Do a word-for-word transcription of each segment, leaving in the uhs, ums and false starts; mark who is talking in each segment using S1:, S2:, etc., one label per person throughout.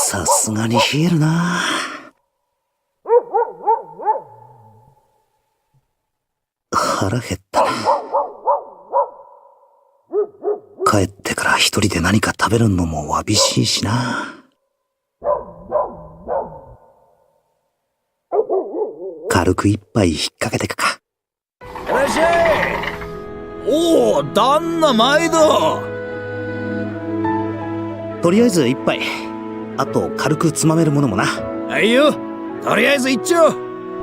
S1: さすがに冷えるな。腹減ったな。帰ってから一人で何か食べるのもわびしいしな。軽く一杯引っ掛けてくか。
S2: いらっしゃい。おお、旦那毎度。
S1: とりあえず一杯、あと軽くつまめるものもな。
S2: はいよ、とりあえず一丁。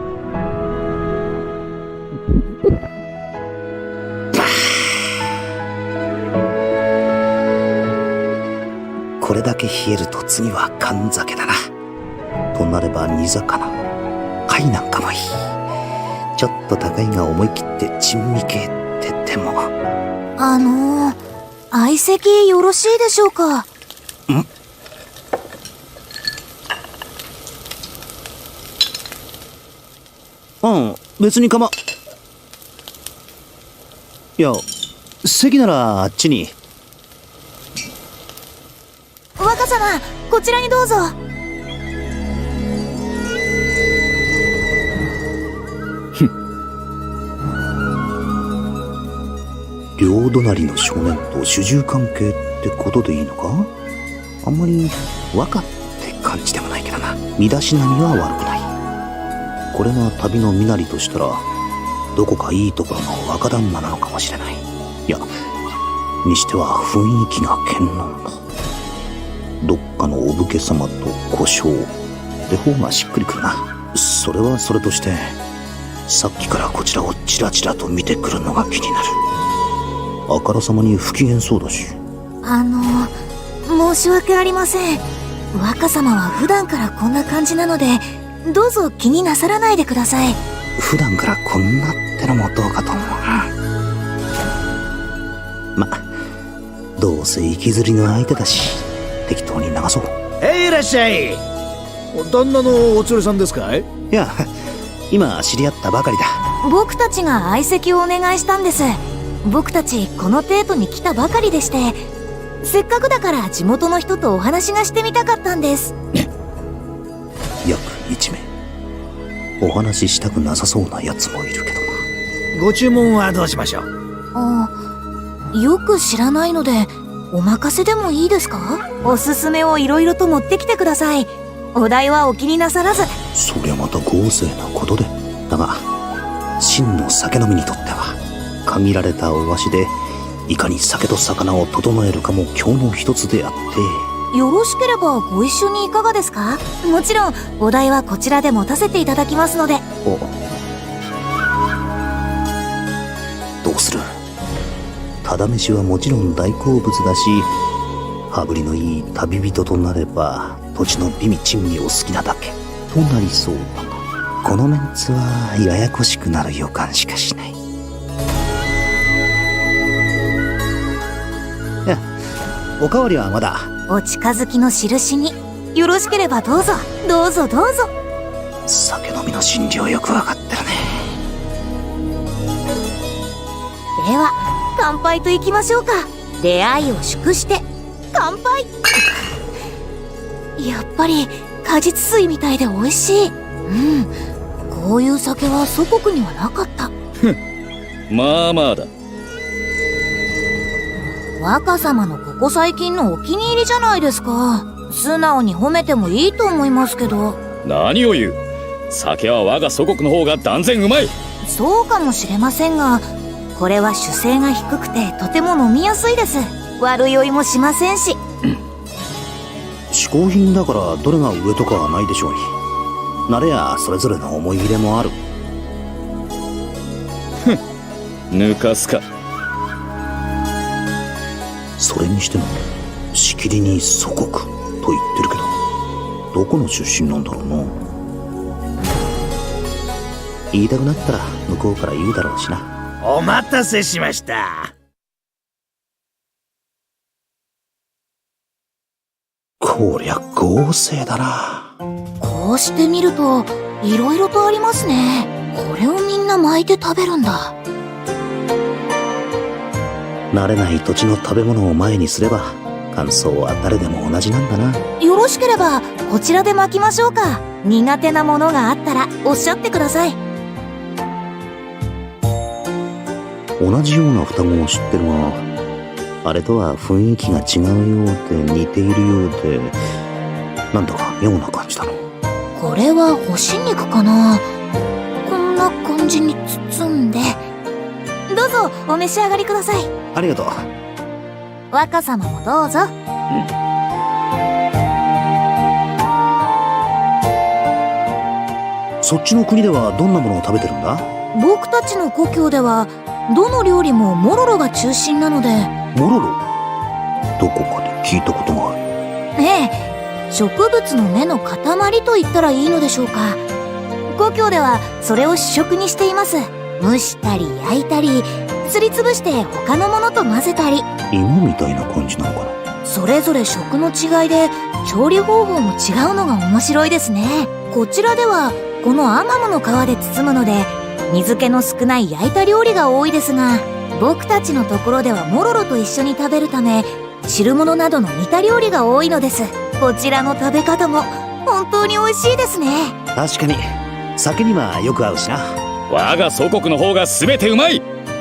S1: これだけ冷えると次は缶酒だな。となれば煮魚、貝なんかもいい。ちょっと高いが思い切って珍味系って手も。
S3: あのー、相席よろしいでしょうか。
S1: ん？うん、別に構。いや、席ならあっちに。
S3: 若様、こちらにどうぞ。
S1: 両隣の少年と主従関係ってことでいいのか？あんまり和歌って感じでもないけどな。身だしなみは悪くない。これが旅の身なりとしたら、どこかいいところの若旦那なのかもしれない。いや、にしては雰囲気が堅牢だ。どっかのお武家様と小姓って方がしっくりくるな。それはそれとして、さっきからこちらをチラチラと見てくるのが気になる。あからさまに不機嫌そうだし。
S3: あの申し訳ありません。若様は普段からこんな感じなので、どうぞ気になさらないでください。
S1: 普段からこんなってのもどうかと思うな。ま、どうせ行きずりの相手だし、適当に流そう。
S2: へい、いらっしゃい。旦那のお連れさんですかい？
S1: いや、今知り合ったばかりだ。
S3: 僕たちが相席をお願いしたんです。僕たちこのデートに来たばかりでして、せっかくだから地元の人とお話がしてみたかったんです。
S1: 約いちめい。お話ししたくなさそうなやつもいるけど
S2: な。ご注文はどうしましょう？
S3: あ、よく知らないのでお任せでもいいですか？おすすめをいろいろと持ってきてください。お代はお気になさらず。
S1: そりゃまた豪勢なことで。だが真の酒飲みにとっては、限られたお箸でいかに酒と魚を整えるかも今日の一つであって。
S3: よろしければご一緒にいかがですか？もちろんお代はこちらで持たせていただきますので。
S1: お、どうする？ただ飯はもちろん大好物だし、羽振りのいい旅人となれば土地の美味珍味を好きなだけとなりそうだが、このメンツはややこしくなる予感しかしない。いや、おかわりはまだ。
S3: お近づきの印によろしければどうぞどうぞどうぞ。
S1: 酒飲みの心理をよくわかってるね。
S3: では乾杯といきましょうか。出会いを祝して乾杯。やっぱり果実水みたいで美味しい。うん、こういう酒は祖国にはなかった。
S4: まあまあだ。
S3: 若様のここ最近のお気に入りじゃないですか。素直に褒めてもいいと思いますけど。
S4: 何を言う。酒は我が祖国の方が断然うまい。
S3: そうかもしれませんが、これは酒精が低くてとても飲みやすいです。悪酔いもしませんし。
S1: 嗜好品だからどれが上とかはないでしょうに。慣れやそれぞれの思い入れもある。
S4: ふん、抜かすか。
S1: それにしてもしきりに祖国と言ってるけど、どこの出身なんだろうな。言いたくなったら向こうから言うだろうしな。
S2: お待たせしました。
S1: こりゃ豪勢だな。
S3: こうしてみるといろいろとありますね。これをみんな巻いて食べるんだ。
S1: 慣れない土地の食べ物を前にすれば感想は誰でも同じなんだな。
S3: よろしければこちらで巻きましょうか。苦手なものがあったらおっしゃってください。
S1: 同じような双子を知ってるが、あれとは雰囲気が違うようで似ているようで、なんだか妙な感じだの。
S3: これは干し肉かな。こんな感じに包んで。どうぞお召し上がりください。
S1: ありがとう。
S3: 若様もどうぞ。
S1: そっちの国ではどんなものを食べてるんだ？
S3: 僕たちの故郷ではどの料理もモロロが中心なので。
S1: モロロ？どこかで聞いたことがある。
S3: ええ、植物の根の塊と言ったらいいのでしょうか。故郷ではそれを主食にしています。蒸したり焼いたり、すりつぶして他のものと混ぜたり。
S1: 芋みたいな感じなのかな。
S3: それぞれ食の違いで調理方法も違うのが面白いですね。こちらではこのアマモの皮で包むので水気の少ない焼いた料理が多いですが、僕たちのところではモロロと一緒に食べるため汁物などの煮た料理が多いのです。こちらの食べ方も本当に美味しいですね。
S1: 確かに酒にはよく合うしな。
S4: 我が祖国の方が全てうまい。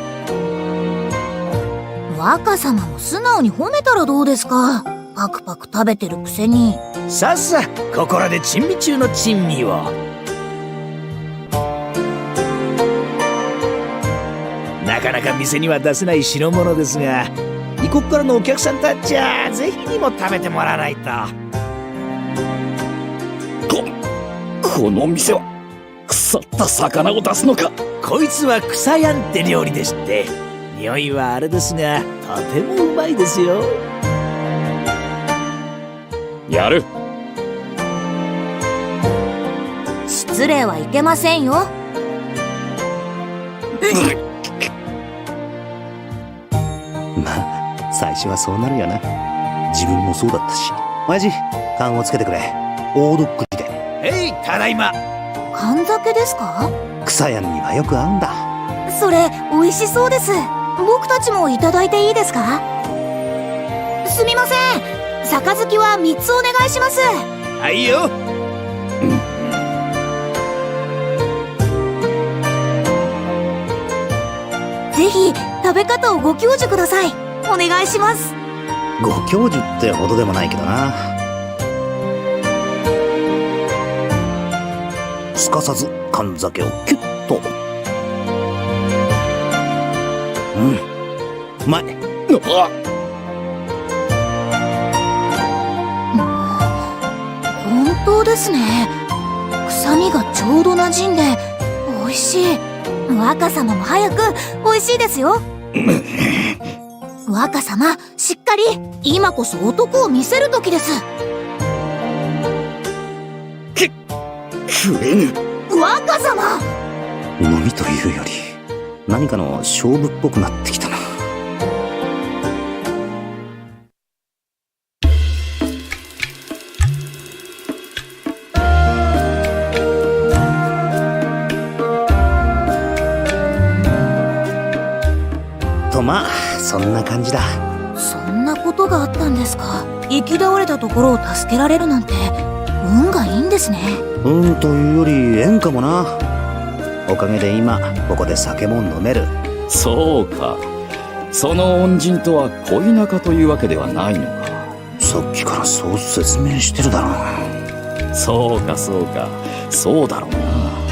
S3: 若様も素直に褒めたらどうですか。パクパク食べてるくせに。
S2: さっさここらで珍味中の珍味を。なかなか店には出せない代物ですが、異国からのお客さんたちはぜひにも食べてもらわないと。
S4: ここの店は腐った魚を出すのか。
S2: こいつは草やんって料理でして、匂いはあれですがとてもうまいですよ。
S4: やる。
S3: 失礼はいけませんよ。
S1: まあ最初はそうなるよな。自分もそうだったし。親父、勘をつけてくれ。大どっくりで。
S2: へい、ただいま。
S3: 缶酒ですか？
S1: 草やんにはよく合うんだ。
S3: それ美味しそうです。僕たちもいただいていいですか？すみません、杯はみっつお願いします。
S2: はいよ。
S3: ぜひ食べ方をご教授ください。お願いします。
S1: ご教授ってほどでもないけどな。すかさず缶酒をキュッと。うん、うまい。
S4: あ
S3: 本当ですね。臭みがちょうど馴染んで美味しい。若様も早く。美味しいですよ。若様、しっかり。今こそ男を見せる時です。
S4: 食えぬ。
S3: 若様。
S1: 飲みというより何かの勝負っぽくなってきたな。とまあそんな感じだ。
S3: そんなことがあったんですか。行き倒れたところを助けられるなんて運がいいんですね。
S1: うんというより縁かもな。おかげで今ここで酒も飲める。
S4: そうか。その恩人とは恋仲というわけではないのか。
S1: さっきからそう説明してるだろう。
S4: そうかそうか、そうだろうな。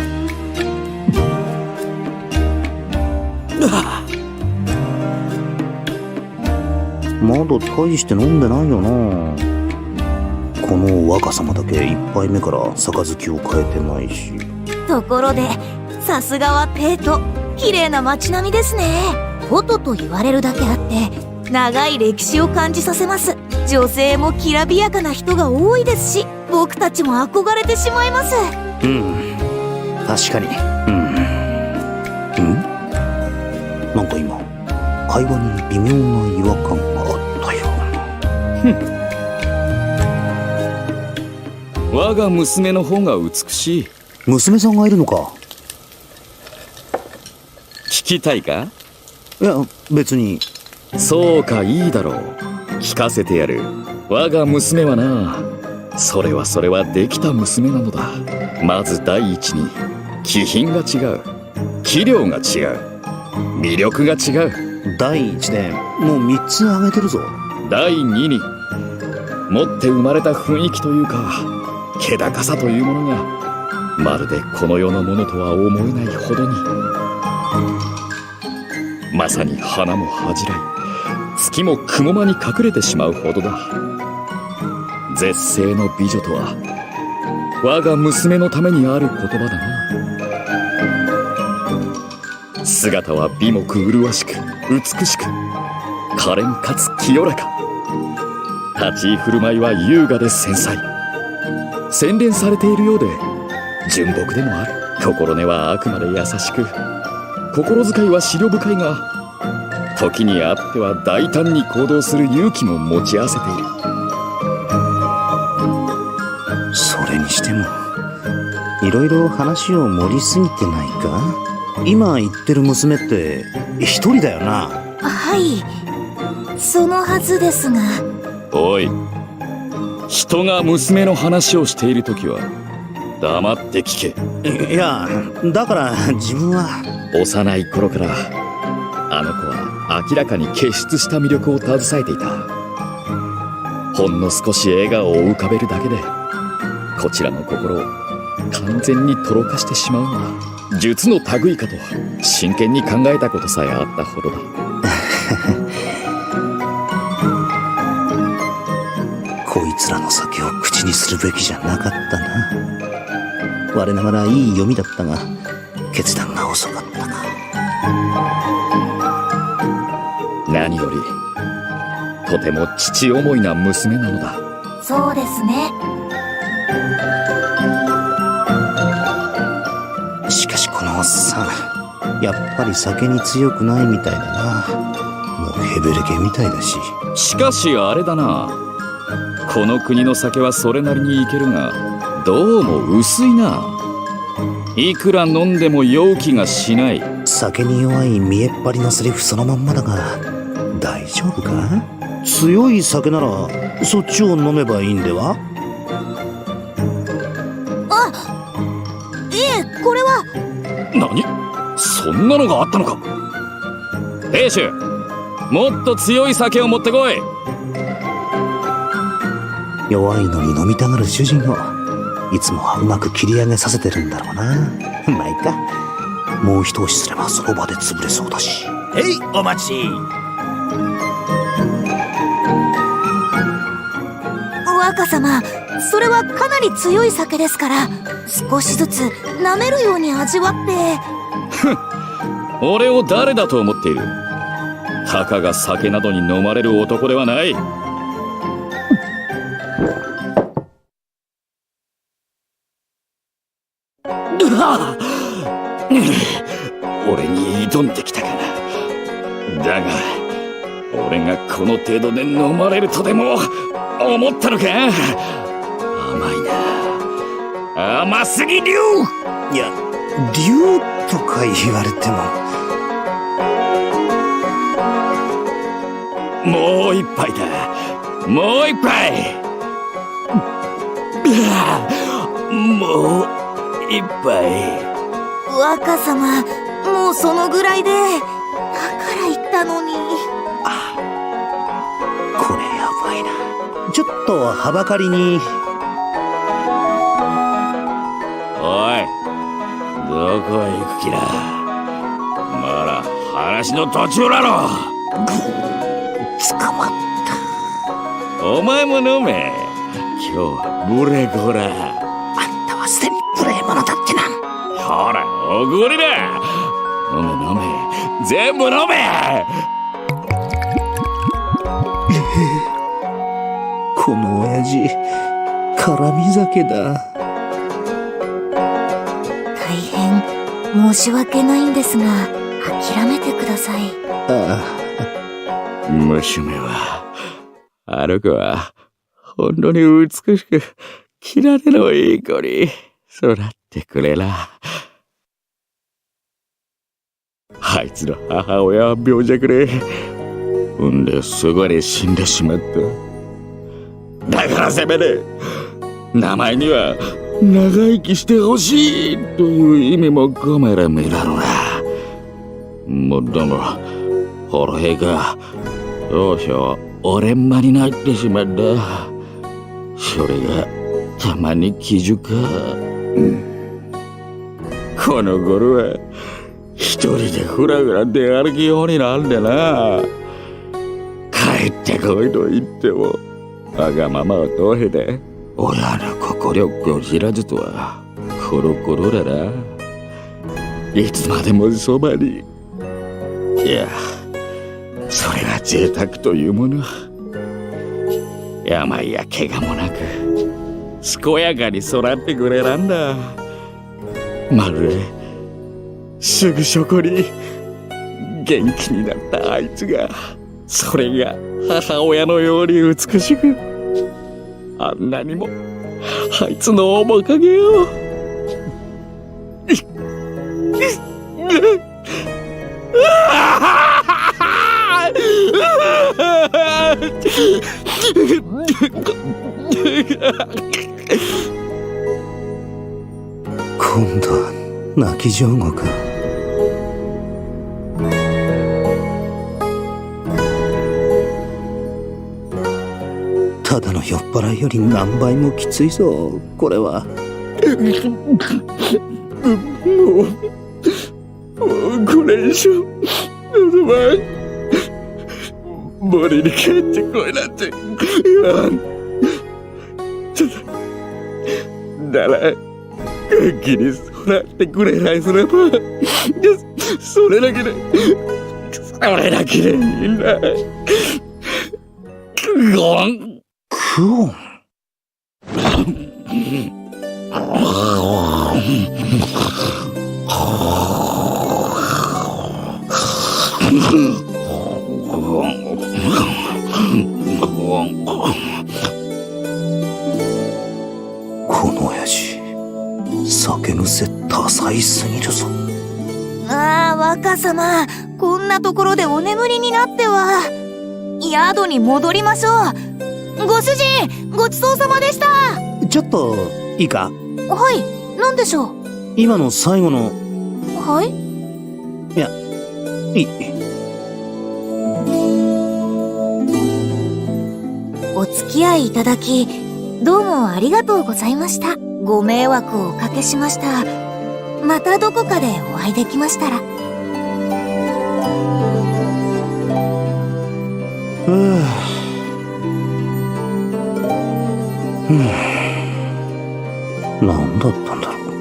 S1: まだ大して飲んでないよな。この若様だけ一杯目から杯を変えてないし。
S3: ところでさすがは帝都。綺麗な街並みですね。フォトと言われるだけあって長い歴史を感じさせます。女性もきらびやかな人が多いですし、僕たちも憧れてしまいます。
S1: うん、確かに。うんうんなんか今会話に微妙な違和感があったよ
S4: うな。我が娘の方が美しい。
S1: 娘さんがいるのか。
S4: 聞きたいか？
S1: いや別に。
S4: そうか、いいだろう。 聞かせてやる。我が娘はな、それはそれはできた娘なのだ。まず第一に気品が違う、器量が違う、魅力が違う。
S1: 第一でもうみっつ挙げてるぞ。
S4: 第二に持って生まれた雰囲気というか気高さというものがまるでこの世のものとは思えないほどに、まさに花も恥じらい月も雲間に隠れてしまうほどだ。絶世の美女とは我が娘のためにある言葉だな。姿は美目麗しく美しく可憐かつ清らか、立ち居振る舞いは優雅で繊細、洗練されているようで純朴でもある。心根はあくまで優しく、心遣いは思慮深いが、時にあっては大胆に行動する勇気も持ち合わせている。
S1: それにしてもいろいろ話を盛りすぎてないか。今言ってる娘って一人だよな。
S3: はい、そのはずですが。
S4: おい、人が娘の話をしているときは黙って聞け。
S1: いや、だから自分は
S4: 幼い頃からあの子は明らかに傑出した魅力を携えていた。ほんの少し笑顔を浮かべるだけでこちらの心を完全にとろかしてしまうのは術の類いかと真剣に考えたことさえあったほどだ。
S1: こいつらの酒を口にするべきじゃなかったな。我ながらいい読みだったが決断が遅かったか。
S4: 何よりとても父思いな娘なのだ。
S3: そうですね。
S1: しかしこのおっさんやっぱり酒に強くないみたいだな。もうヘベレケみたいだし。
S4: しかしあれだな、この国の酒はそれなりにいけるがどうも薄いな。いくら飲んでも酔う気がしない。
S1: 酒に弱い見えっ張りのセリフそのまんまだが大丈夫か。強い酒ならそっちを飲めばいいんでは。
S3: あ、いえ、これは。
S4: 何、そんなのがあったのか。兵士、もっと強い酒を持ってこい。
S1: 弱いのに飲みたがる主人をいつもはうまく切り上げさせてるんだろうな。まあいいか、もう一押しすればその場で潰れそうだし。
S2: へい、お待ち。
S3: 若様、それはかなり強い酒ですから少しずつ舐めるように味わって。
S4: 俺を誰だと思っている。たかが酒などに飲まれる男ではない。俺に挑んできたかな。だが俺がこの程度で飲まれるとでも思ったのか。甘いな、甘すぎ竜。
S1: いや、竜とか言われても。
S4: もう一杯だ、もう一杯。もう一杯。
S3: 若様、もうそのぐらいで。だから言ったのに。
S1: あ、これやばいな。ちょっとはばかりに。
S4: おい、どこへ行く気だ。まだ話の途中だろ。
S1: 捕まった。
S4: お前も飲め。今日はブレゴラ。
S1: あんたはすでに無礼者だってな。
S4: ほら、おごりだ。飲め飲め、全部飲め。
S1: この親父絡み酒だ。
S3: 大変申し訳ないんですが諦めてください。
S1: あ
S4: あ、娘はあの子は本当に美しくきられのいい子に育ってくれな。あいつの母親は病弱でんですぐに死んでしまった。だからせめて名前には長生きしてほしいという意味も込める身だろうな。もっとも俺がどうしよう俺んまになってしまった。それがたまに気づか、うん、この頃は一人でふらふら出歩きようになるんでな。帰ってこいと言ってもわがままを通へて親の心を知らずとはコロコロだな。いつまでもそばに。いやそれが贅沢というもの。病や怪我もなく健やかに育ってくれたんだ。まるですぐそこに元気になったあいつが、それが母親のように美しく、あんなにもあいつの面影を
S1: 今度は泣き上戸か。ただの酔っ払いより何倍もきついぞこれは。
S4: もうもうこれ以上望まん。森に帰ってこいなんて言わん。なら元気に育ってくれないすればそれだけでそれだけでいいんだ。クオン
S1: クオンこの親父酒癖多彩すぎるぞ。
S3: ああ、若様、こんなところでお眠りになっては。宿に戻りましょう。ご主人、ごちそうさまでした。
S1: ちょっといいか。
S3: はい、なんでしょう。
S1: 今の最後の。
S3: はい。
S1: いやいい。
S3: お付き合いいただきどうもありがとうございました。ご迷惑をおかけしました。またどこかでお会いできましたら。
S1: ふぅ、何だったんだろう。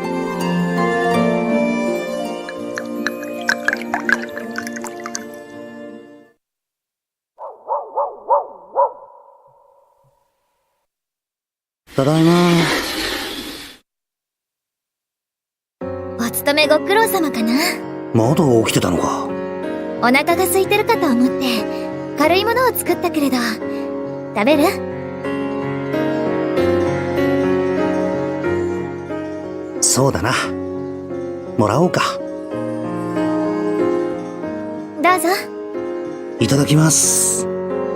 S1: ただいま。
S3: お勤めご苦労様かな。
S1: まだ起きてたのか。
S3: お腹が空いてるかと思って軽いものを作ったけれど、食べる？
S1: そうだな、もらおうか。
S3: どうぞ。
S1: いただきます。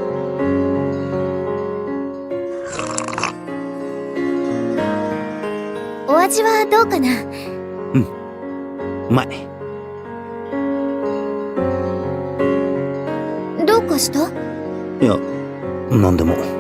S3: お味はどうかな？
S1: うん、うまい。
S3: どうかした？
S1: いや、なんでも。